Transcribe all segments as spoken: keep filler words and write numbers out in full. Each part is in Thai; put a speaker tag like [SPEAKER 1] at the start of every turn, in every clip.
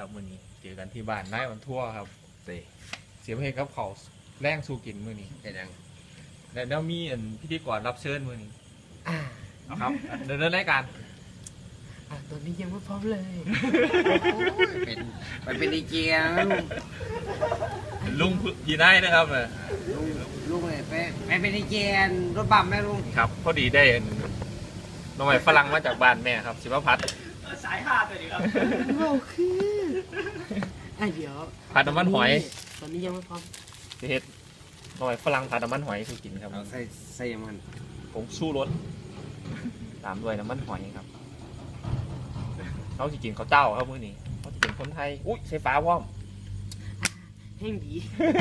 [SPEAKER 1] ครับมื้อนี้เจอกันที่บ้านนายวันทั่วครับ
[SPEAKER 2] เตะ
[SPEAKER 1] เสียเพลงกับเขาวแรงสู้กินมื้อนี้
[SPEAKER 2] เป็นยัง
[SPEAKER 1] และแล้วมีอันพิธีกรรับเชิญมื้อนี้
[SPEAKER 3] อ่า
[SPEAKER 1] ครับเดินเรื่องรายการ
[SPEAKER 3] อ่าตัวนี้ยังไม่พร้อมเลย
[SPEAKER 2] เป็นไปเป็นดีเจนะลุง
[SPEAKER 1] ลุงยีนายนะครับเออ
[SPEAKER 2] ลุงลุงเลยไปไปเป็นดีเจรถบัมไหมลุง
[SPEAKER 1] ครับพอดีได้อันน้องใหม่ฝรั่งมาจากบ้านแม่ครับสิวพัฒน์
[SPEAKER 4] สายห้าตัวนี้ครับ
[SPEAKER 3] เราคืออ่ะเดี๋ยว
[SPEAKER 1] ผัดน้ำมันหอย
[SPEAKER 3] ตอนนี้ยังไม่พร้อม
[SPEAKER 1] สิเฮ็ดน้องใหม่ฝรั่งผัดน้ำมันหอยสู้กินครับ
[SPEAKER 2] เอาใส่ใส่มัน
[SPEAKER 1] ผมสู้รสตามด้วยน้ำมันหอยครับเขาสิกินข้าวเจ้าครับมื้อนี้เขาสิเป็นคนไทยอุ้ยใส่ฟ้าพร้อม
[SPEAKER 3] แห้งดี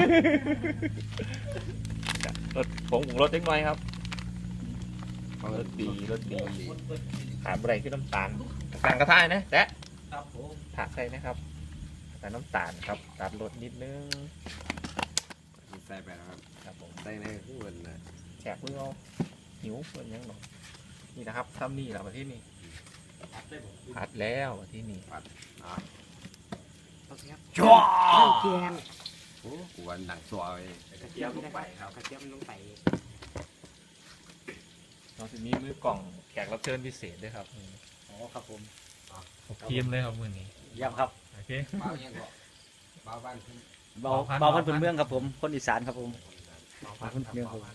[SPEAKER 1] รสผงปรุงรสเล็กน้อยครับรสดีรสดีขาดอะไรคือน้ำตาลสั่งกระทายนะแจ๊ะ
[SPEAKER 4] ครับผม
[SPEAKER 1] ผักใส่นะครับใส่น้ำตาลครับตัดรสนิดนึง
[SPEAKER 2] ใส่ไปแล้วครับ
[SPEAKER 1] ครับผม
[SPEAKER 2] ใส่ในข้างบนนะ
[SPEAKER 1] แฉกเพื่อเอาหิวเพื่อนยังหนอยนี่นะครับทำนี่แหละประเทศนี้
[SPEAKER 4] ได้ผม
[SPEAKER 1] ผัดแล้วประเทศนี้
[SPEAKER 2] อ่ะ
[SPEAKER 3] โอเคครับ
[SPEAKER 1] จ้า
[SPEAKER 3] ข้าวแกง
[SPEAKER 2] โอ้กูวันดังสวย
[SPEAKER 3] กระเทียมลงไปครับกระเทียมลงไป
[SPEAKER 1] เราจะมีมือกล่องแขกรับเชิญพิเศษด้วยครับ
[SPEAKER 4] อ๋อครับผม
[SPEAKER 1] ทีมเลยครับมือนี้
[SPEAKER 4] เยี่ยมครับ
[SPEAKER 1] โอเค
[SPEAKER 2] เบายังก็เบาบ้านขึ้น
[SPEAKER 4] เบา
[SPEAKER 1] เบาพัน
[SPEAKER 4] เบาพันพื้นเมืองครับผม คนอีสานครับผม
[SPEAKER 1] เอาพันครับเอาพัน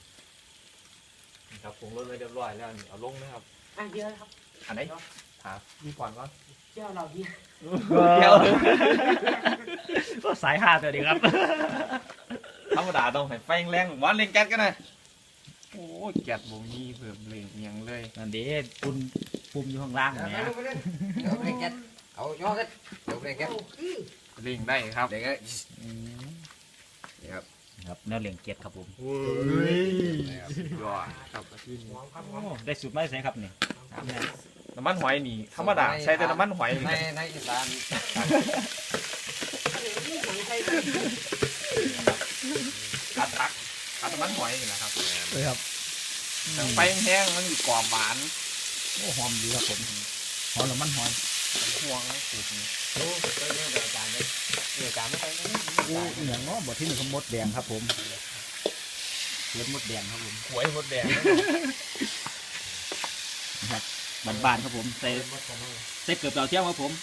[SPEAKER 1] นี่ครับปรุงรสไว้เรียบร้อยแล้วนี่เอาลงนะครับ
[SPEAKER 3] อ่ะเดี๋ยวครับ
[SPEAKER 1] อันไหนถามพี่ก่อนว่า
[SPEAKER 3] เจ้าเราเนี่ย
[SPEAKER 4] เดี๋ยวก็สายห้าตัวนี้ครับ
[SPEAKER 1] ธรรมดาต้องให้ไฟแรงๆหวานเล่งแก๊สกันนะโอ้ยแก๊สบ่มีเพิ่มเลยอิหยังเลย
[SPEAKER 4] นั่นดิปุ่นปุ่มอยู่ข้างล่าง
[SPEAKER 2] เดี๋ยว
[SPEAKER 4] เนี่ย
[SPEAKER 2] ไปเดี๋ยวไปแก๊สเอาย่อกันเดี๋ยวไปแก๊ส
[SPEAKER 1] เล่งได้ครับ
[SPEAKER 2] เดี๋ยวก็นี่ครับ
[SPEAKER 4] ครับแนวเหลียงเกียรติครับผม
[SPEAKER 1] เฮ้ยยอดครับอาทิตย์นี้
[SPEAKER 4] โอ้ได้สูตรไหมใช่ครับนี่
[SPEAKER 1] น้ำมันหอยนี่ธรรมดาใช้แต่น้ำมันหอย
[SPEAKER 2] ในในอีสาน
[SPEAKER 1] อัดตักอัดน้ำมันหอยนี่แหละครับ
[SPEAKER 4] เลยครับ
[SPEAKER 1] แต่ไฟแห้งมันกรอบหวาน
[SPEAKER 4] โอ้หอมดีครับผมหอมแล้วมันหอม
[SPEAKER 1] ห่วงนะสูตรนี้
[SPEAKER 2] โอ้ไปเรื่องอาจารย์เลย
[SPEAKER 1] เดี๋ยวจานไม่ไปนะ
[SPEAKER 4] โอ้เหนียงเนาะบทที่หนึ่งคือมดแดงครับผมเลือดมดแดงครับผม
[SPEAKER 1] หวยหมดแดง
[SPEAKER 4] บานๆครับผมใส่ใส่เกือบดาวเทียมครับผม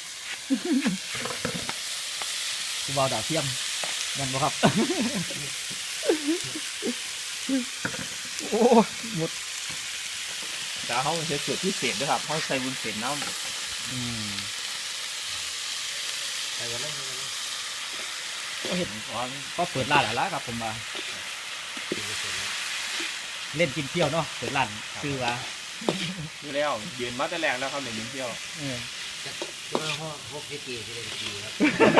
[SPEAKER 4] กูบอลดาวเทียมนั่นบ่ครับ โอ้หมด
[SPEAKER 1] แต่เขาใช้สูตรพิเศษด้วยครับเขาใส่วุ้นเส้นน้ำ
[SPEAKER 4] อืม
[SPEAKER 2] ไปกันเลย
[SPEAKER 4] ก็เห็นก็เปิดร้านหลายร้านครับผมมาเล่นกินเที่ยวเนาะเปิดร้านซื้อว่า
[SPEAKER 1] คือแล้วยืนมาแต่แรกแล้วครับเดี๋ยวยืนเที่ยว
[SPEAKER 4] เออ
[SPEAKER 2] ช่วยพ่อพวกพี่ตีที่เล่นตีครับ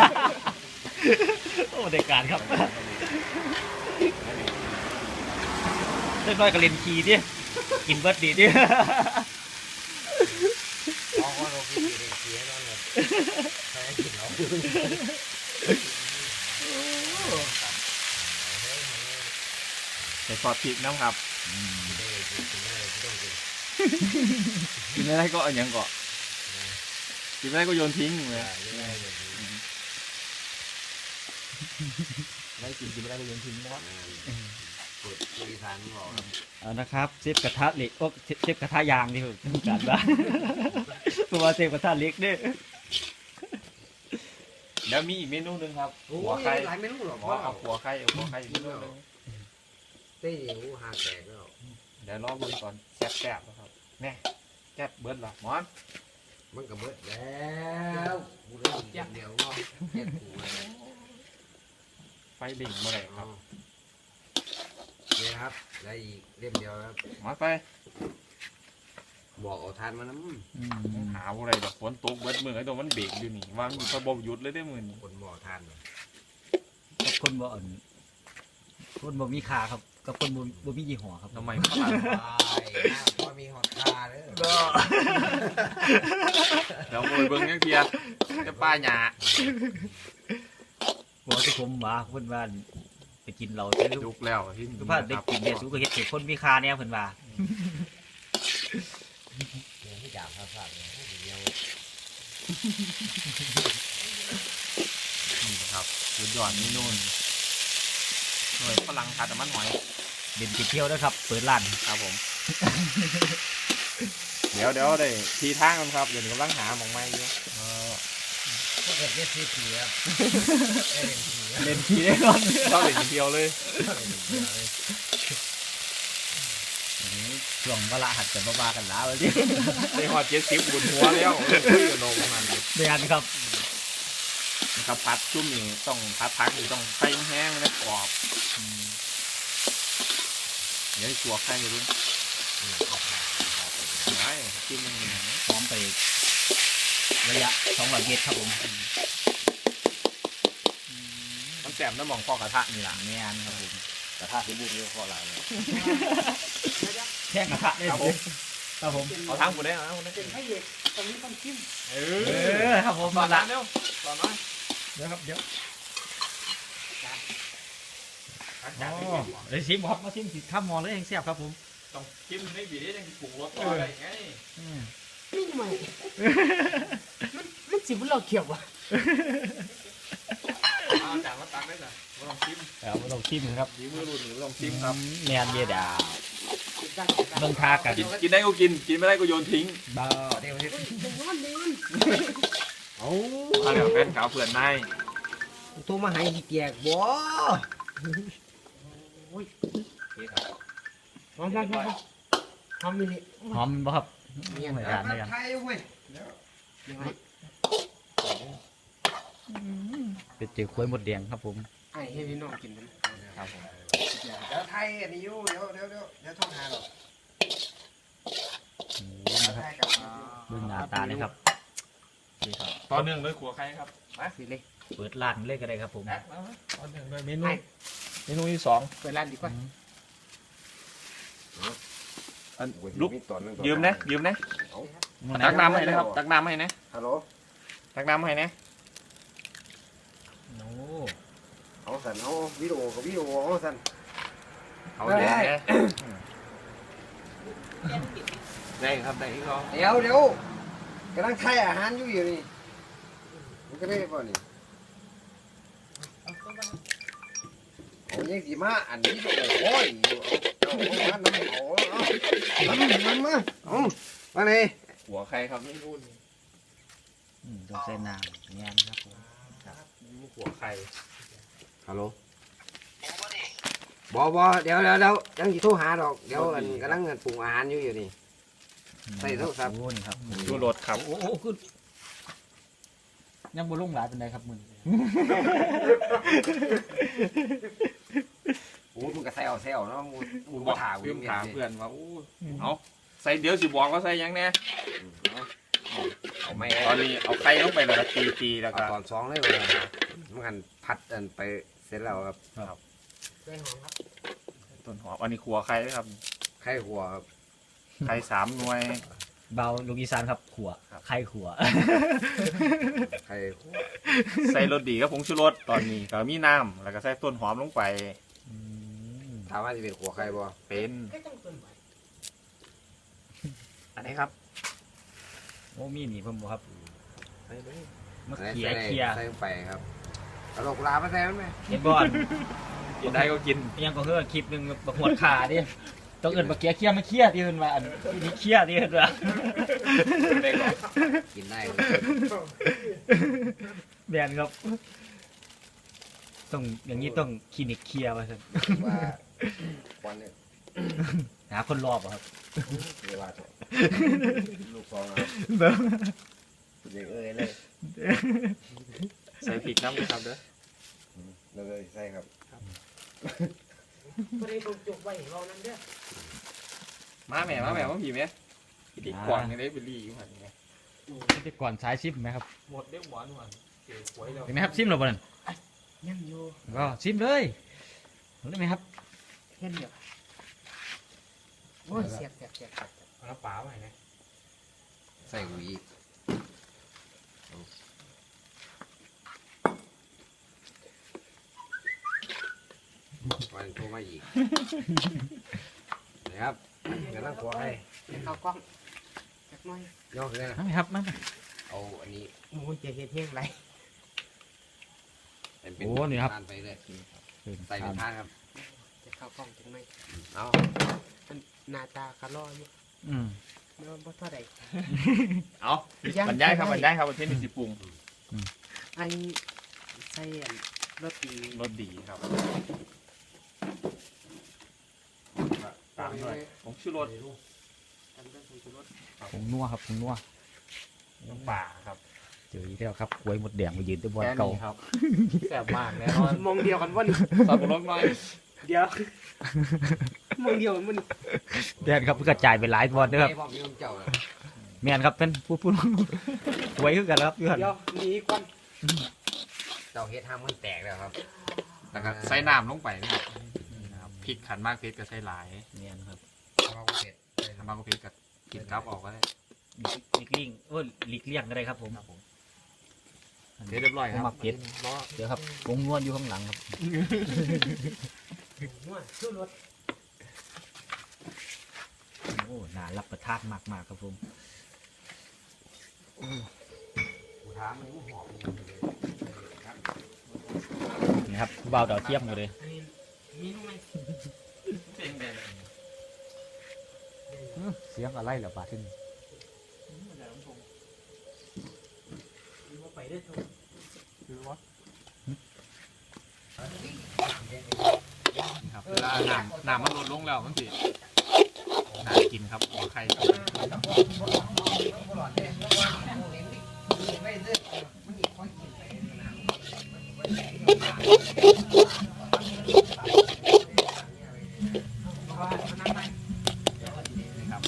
[SPEAKER 4] โอ้เด็กการครับเล็กน้อยก็เล่นคีดิกินเบิร์ดดีดิ
[SPEAKER 2] พ่อพ่อพวกพี่ตีเล่นตีให้น้องเลยใครกินเรา
[SPEAKER 1] ใส่ซอสพริกน้ำครับ
[SPEAKER 2] ได้กินได้ต้องกิน
[SPEAKER 1] กินอะไรก็เอาอย่างก่อนกินอะไรก็โยนทิ้งเลย
[SPEAKER 2] ได้ได้เลย
[SPEAKER 1] ได้กินกินอะไรก็โยนทิ้งนะครับ
[SPEAKER 2] ปวดอีสานบอก
[SPEAKER 4] เอานะครับเซฟกระทะเหล็กโอ้เซฟกระทะยางนี่คือการบ้านตัวเซฟกระทะเหล็กเนี่ย
[SPEAKER 1] แล้วมีอีกเมนูหนึงครับ
[SPEAKER 2] โอ้
[SPEAKER 1] หัวย ไข่
[SPEAKER 2] หลายเมนูหรอก
[SPEAKER 1] หัว
[SPEAKER 2] พ่อ
[SPEAKER 1] เอาหัวไข่เอาหัวไข่อีกเมนูหนึง
[SPEAKER 2] เต้ยหูหาแตกแล้ว
[SPEAKER 1] เดี๋ยวรอเบิ่งก่อนแซ่บๆนะครับแน่แซ่บเบิร์ดละหมอน
[SPEAKER 2] มันก็เบิดแล้วกูเล่นเดียวก็แค่กูเลย
[SPEAKER 1] ไฟดิ่งเมื่อไหร่ครับ
[SPEAKER 2] นี่ครับได้อีกเล่มเดียวครับ
[SPEAKER 1] หมอนไป
[SPEAKER 2] บอกเอาทานมาน้
[SPEAKER 4] อืม
[SPEAKER 1] หาอะไรแบบฝนตกเบิดมือไอ้ตัวมันเบรกอยู่นี่ว่ามันอยู่ระบบหยุดเลยได้อมือนี่
[SPEAKER 2] ำคนบอกทาน
[SPEAKER 4] กับคนบ่อ่อนคนบ่มีขาครับกับคนบ่บ่มียี่ห้อครับ
[SPEAKER 1] ทำไมฝรั่ง
[SPEAKER 2] พอมีหอดคาเด้อ
[SPEAKER 1] เดี๋ยวโวยเบิ่งยังเทียจะป้าหยา
[SPEAKER 4] บอกที่ผมว่าเพิ่นว่าไปกินเราใช่ลู
[SPEAKER 1] จุ
[SPEAKER 4] ก
[SPEAKER 1] กแล้วที่
[SPEAKER 4] คือว่าได้กินเนี่ยสูก็เฮ็ดให้คนมีค่าแน่เพิ่นว่า
[SPEAKER 2] เนี่ยที่จ่าพาพาเนี่ยเดียว
[SPEAKER 1] นี่ครับสุดยอดนี่นู่นหน่วยฝรั่งผัดน้ำมันหอย
[SPEAKER 4] เด่นติดเที่ยวด้วยครับเปิดร้าน
[SPEAKER 1] ครับผม เดี๋ยวเดี๋ยวได้ทีทางกันครับเดี๋ยวกำลังหาหมองไม้อยู่
[SPEAKER 2] พวกเกิดเรียกทีเสียเล่นที
[SPEAKER 4] เล่นทีได้ก่อน
[SPEAKER 1] ชอบเด็กเดียวเลย
[SPEAKER 4] ช่วงเวลาหัดกันบ้าๆกันแล้วเลย
[SPEAKER 1] ได้หอดเจ็ดสิบบุญหัวแล้วคุยกับนมมัน
[SPEAKER 4] เดือนครับ
[SPEAKER 1] นะครับพัดชุ่มนี่ต้องพัดพักนี่ต้องไฟแห้งและกรอบเดี๋ยวให้ตัวไข่เลยด้วยไอ้จิ้มมันอย่างนี้
[SPEAKER 4] พร้อมไประยะสองร้อยเมตรครับผม
[SPEAKER 1] มันแสบน้ำหมองพอกระทะนี่หลัง
[SPEAKER 4] แม่นครับผม
[SPEAKER 2] กระทะที่บุญเยอะข้อหลายเลย
[SPEAKER 4] แท่งกระทะได้ผมครับผม
[SPEAKER 1] เอาทั้งหมดได้เอาทั้งหมดได้
[SPEAKER 3] เป็นพระเอกตอนนี้ต้องจิ้ม
[SPEAKER 1] เอ
[SPEAKER 4] เออครับผม
[SPEAKER 1] ต่อ
[SPEAKER 4] มา
[SPEAKER 1] ละ
[SPEAKER 4] ละ
[SPEAKER 1] เร็วต่อน้อย
[SPEAKER 4] เดี๋ยวครับเดี๋ยวอ๋อเดี๋ยวชิมครับมาชิมสิข้ามมอเลยเองแซ่บครับผม
[SPEAKER 1] ต้องจิ้มให้บีได้ยังปรุงรสต่ออะไรไง
[SPEAKER 4] อืม
[SPEAKER 3] นี่ใหม่มันมันสิบุเราเขียววะ
[SPEAKER 1] เอาจานมาตักได้จ้ะไม่ต้องจิ้ม
[SPEAKER 4] เอาลองชิมครับ
[SPEAKER 1] ดีมือรุ่นหรือไม่ต้องจิ้มครับ
[SPEAKER 4] แมนเบียดาว
[SPEAKER 3] ได้ได้
[SPEAKER 4] เบิ่งทากัน
[SPEAKER 1] กินกินได้ก็กินกินไม่ได้ก็โยนทิ้ง
[SPEAKER 4] บ้า
[SPEAKER 2] เดี๋ยวนี้
[SPEAKER 3] เป็นนอนเดิน
[SPEAKER 2] เอา
[SPEAKER 1] ถ้าเหลือเป็นขาวเผื่อนใน
[SPEAKER 2] โทรมาให้ที่เกียกบ่
[SPEAKER 3] พร้อมพร้อมพร้อมพร้อมมินิ
[SPEAKER 4] หอมบ่ครับเหมือนกันเหมือนกัน
[SPEAKER 2] ไทยเว้ย
[SPEAKER 3] ยังไง
[SPEAKER 4] เป็นเจียวกล้วยหมดแดงครับผม
[SPEAKER 3] ไอ้ให้พี่น้องกินนะครับ
[SPEAKER 1] ผม
[SPEAKER 2] เดี๋ยวไทยอันนี้อยู่เดี๋ยวเดี๋ยวเดี๋ยวเดี๋ยวโทรหาหรอก
[SPEAKER 4] โอ้โหนะครับ
[SPEAKER 2] ไทยกับ
[SPEAKER 4] เบิ่งหน้าตาเลยครับ
[SPEAKER 1] นี่ครับต่อเนื่องด้วยขัวไข่ครับมา
[SPEAKER 3] สิเลย
[SPEAKER 4] เปิดร้านเลยก็ได้ครับผม
[SPEAKER 1] แอดมามาต่อเนื่องด้วยเมนู
[SPEAKER 3] ไอ้
[SPEAKER 1] เมนูที่สอง
[SPEAKER 3] เปิดร้านดีกว่า
[SPEAKER 1] อันลุกยืมนะยืมนะ
[SPEAKER 4] มื้อไห
[SPEAKER 1] ตัก
[SPEAKER 4] น
[SPEAKER 1] น้ำให้นะครับตักน้ำให้นะ
[SPEAKER 2] ฮัลโหล
[SPEAKER 1] ตักน้ำให้นะ
[SPEAKER 4] โอ้
[SPEAKER 2] เอาสันเอาวิดีโอกับวิดีโอเอาสัน
[SPEAKER 1] เอาเดี๋ยวนะได้ครับได้ก็
[SPEAKER 2] เดี๋ยวเดี๋ยวกำลังไทยอาหารอยู่อยู่นี่มันก็ได้ป่ะนี่เอายังสีมาอันนี้โอ้ยเอาเอาน้ำเอาเอาน้ำมันมาเอามาเลย
[SPEAKER 1] หัวไข่ครับนี่นู่น
[SPEAKER 4] อืมต้องใส่น้ำแม่นครับผม
[SPEAKER 1] หัวไข่
[SPEAKER 2] ฮัลโหลบอบอเดี๋ยวเดี๋ยวเดี๋ยวยังสิโทรหาดอกเดี๋ยวอันกำลังปรุงอาหารอยู่อยู่นี่ ใส่โทรศัพท์
[SPEAKER 4] โอ้นี่ครับ
[SPEAKER 1] ดูรสครับ
[SPEAKER 4] โอ้โหคือยังบ่ลงหลายเป็นไดครับมึง
[SPEAKER 2] โอ้มึงก็ใส่เอาแซวเนาะมึงมึง
[SPEAKER 1] บอ
[SPEAKER 2] มาก ถาม
[SPEAKER 1] เพื่อน
[SPEAKER 2] มึง
[SPEAKER 1] ถาม
[SPEAKER 2] เพื่
[SPEAKER 1] เพื่
[SPEAKER 2] อ
[SPEAKER 1] อนว่าอู้เอาใส่เดี๋ยวสิบอกว่าใส่ยังแน่
[SPEAKER 2] เอาไม่
[SPEAKER 1] ตอนนี้เอาไข่ลงไปแล้วก็ตีตีแล้ว
[SPEAKER 2] เอา
[SPEAKER 1] ก็
[SPEAKER 2] ตอนสองเลยเลยมันกันพัดอันไปเสร็จแล้วครับ
[SPEAKER 3] ได้หอมครับ
[SPEAKER 1] ต้นหอมอันนี้ขัวไข่ครับ
[SPEAKER 2] ไข่หัวครับ
[SPEAKER 1] ไข่สามหน่วย
[SPEAKER 4] เบาลูกอีสานครับขัว
[SPEAKER 1] ครับ
[SPEAKER 4] ไข่ขัว
[SPEAKER 2] ไข่หัว
[SPEAKER 1] ใส่รสดีกับผงชูรสตอนนี้ก็มีน้ำแล้วก็ใส่ต้นหอมลงไป
[SPEAKER 4] อืม
[SPEAKER 2] ถามว่าจะเป็นหัวไข่บ่
[SPEAKER 1] เป็น
[SPEAKER 3] ก็ต้องเปิดไว้
[SPEAKER 1] อันนี้ครับ
[SPEAKER 4] โอ้มีนี่เพิ่มบ่ครับ
[SPEAKER 1] ใส่เลย
[SPEAKER 4] มะ
[SPEAKER 2] ใส่
[SPEAKER 4] เขีย
[SPEAKER 2] ใส่
[SPEAKER 4] เขีย
[SPEAKER 2] ใส่ลงไปครับเอาดอกกุหลาบมาใส่มันไหม
[SPEAKER 4] เห็นบ่อน
[SPEAKER 1] กินได้ก็กิน
[SPEAKER 4] ยังก็คือคลิปหนึงบักหวดขาดิต้องเอิ้นบักเขียเขียมาเขียที่เอิ้นว่าอันนี้เขียที่เอิ้นว่า
[SPEAKER 1] ได้ก่อน
[SPEAKER 2] กินได้
[SPEAKER 4] แบนครับ ต้องอย่างนี้ต้องคลินิกเคลียร์ว่าซั่น
[SPEAKER 2] ว่าวันนี้
[SPEAKER 4] หาคนรอบอะครับ
[SPEAKER 2] เวลาลูกสองครับเด็กเอ้ยเลย
[SPEAKER 1] ใส่พริกน้ำด้วยครับเด้อ
[SPEAKER 2] เลยใช่ครับ
[SPEAKER 3] ก็ได้ลงจุกไว้เรานั้นเด้อ
[SPEAKER 1] มาแม่มาแม่มาผีไหมพริกกวางยังได้ไปรีอยู่หันไง
[SPEAKER 4] ไปก่อนสายชิมไหมครับ
[SPEAKER 1] หมดเด้หวานหวานเก๋หวยแล้ว
[SPEAKER 4] เห็นไหมครับชิมแล้วบ่นั่น
[SPEAKER 3] ยังอยู่
[SPEAKER 4] ก็ชิมเลยได้ไหมครับ
[SPEAKER 3] เห็นเดี๋ยวโอ้ยเสียบเสียบเสียบเสียบ
[SPEAKER 1] เอาน้ำปลาไว้นะ
[SPEAKER 2] ใส่หุยวันโทรมาอีกนะครับเดี๋ยวนั่งขวให้
[SPEAKER 3] เอากล้องจักหน่อย
[SPEAKER 2] ย่อขึ้นเลยนะ
[SPEAKER 4] มาไหมครับมาไหม
[SPEAKER 2] เอาอันนี้
[SPEAKER 3] โอ้ยจะเห็ดเที่ยงไร
[SPEAKER 2] เป็น
[SPEAKER 4] โอ้นี่ครับ
[SPEAKER 2] ทานไปเลย
[SPEAKER 4] เป็น
[SPEAKER 2] ใส่เป็นทานครับ
[SPEAKER 3] จะเข้ากล้องจังไหม
[SPEAKER 2] เอา
[SPEAKER 3] มันหน้าตากระล่ออยู่
[SPEAKER 4] อืม
[SPEAKER 3] เมื่อบ่เท่าใด
[SPEAKER 1] เอาบรรยายครับบรรยายครับประเทศนี้สิปรุง
[SPEAKER 3] อันใส่อันรสดี
[SPEAKER 1] รสดีครับตามด้วยผงชูรส
[SPEAKER 3] ทำด้วยผงชูรส
[SPEAKER 4] ผงนัวครับผงนัว
[SPEAKER 1] น้ำปลาครับ
[SPEAKER 4] เจออีกแล้วครับกล้วยหมดแดงมายืนตัวบอล
[SPEAKER 1] แค่
[SPEAKER 4] เก่า
[SPEAKER 1] นี้ครับแซ่บมากแน่นอน
[SPEAKER 3] มองเดียวกันวัน
[SPEAKER 1] ซอสปรุงรสหน่อย
[SPEAKER 3] เดียวมองเดียวกันวัน
[SPEAKER 4] แดนครับกระจายไปหลายบอลนะครับ
[SPEAKER 2] ไอ้พ่อมีน้ำเจ้าเลย
[SPEAKER 4] แมนครับเป็นผู้ผู้กล้วยคือกันครับพี่
[SPEAKER 3] เดียวหนีควัน
[SPEAKER 2] เจ้าเฮ็ดห้ามมันแตกแล้วครับ
[SPEAKER 1] แล้วก็ใส่น้ำลงไปนะครับนะครับพริกขันมากพริกก็ใส่หลาย
[SPEAKER 4] แมนครับ
[SPEAKER 2] เราก็เผ็ด
[SPEAKER 1] ทำมากก็พริกกับกินกับออกก็ได้
[SPEAKER 4] หลีกเลี่ยงโอ้ยหลีกเลี่ยงก็ได้ครับผม
[SPEAKER 1] เสร็จเรียบร้อยครับ
[SPEAKER 4] ผมมักเผ็ด
[SPEAKER 1] ล้อ
[SPEAKER 4] เดี๋ยวครับผงนวลอยู่ข้างหลังครับ
[SPEAKER 3] นวดชูรส
[SPEAKER 4] โอ้น่ารับประทานมากมากๆครับผม
[SPEAKER 2] กูถามมึงหอม
[SPEAKER 4] นี่ครับเบาดาวเทียมหมดเลย
[SPEAKER 3] อันนี้มีนุ่มไหม
[SPEAKER 1] เป็นแบบ
[SPEAKER 4] อื้อเสียงอะไรเหรอบาดที่นี่
[SPEAKER 3] ไปได้ทุก
[SPEAKER 1] คือว่านี่ครับเวลาน้ำน้ำมันลดลงแล้วมันสิน่ากินครับหัวไข่ครับนี่ครับ